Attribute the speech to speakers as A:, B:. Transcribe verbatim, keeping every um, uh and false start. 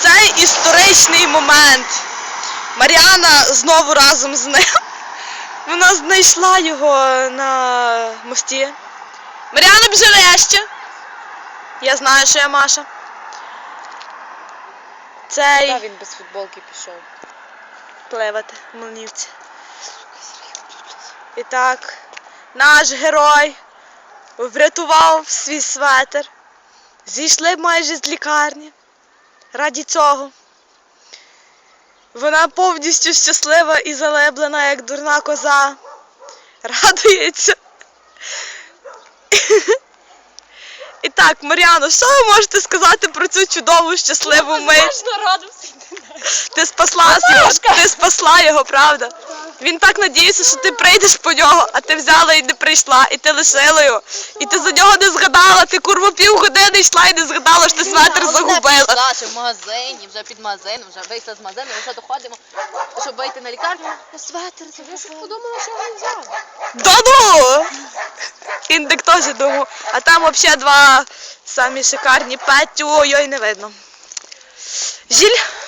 A: цей історичний момент. Мар'яна знову разом з ним. Вона знайшла його на мості. Мар'яна, біжи вище. Я знаю, що я Маша. Цей...
B: Та він без футболки пішов.
A: Пливати в Млинівці. І так, наш герой врятував свій светр. Зійшли майже з лікарні. Раді цього. Вона повністю щаслива і залеблена, як дурна коза. Радується. І так, Мар'яно, що ви можете сказати про цю чудову, щасливу мить? Ти спасла його, ти спасла його, правда? Він так надіявся, що ти прийдеш по нього, а ти взяла і не прийшла, і ти лишила його. І ти за нього не згадала, ти курва півгодини йшла і не згадала, що ти светр загубила.
B: Вона ще в магазині, вже під магазином, вже вийшла з магазину, ми вже доходимо, щоб вийти на лікарню. Я светр загубила. Подумала, що він взяв.
A: Да ну! Індик теж думав. А там взагалі два самі шикарні Петю, ой-ой, не видно. Жиль.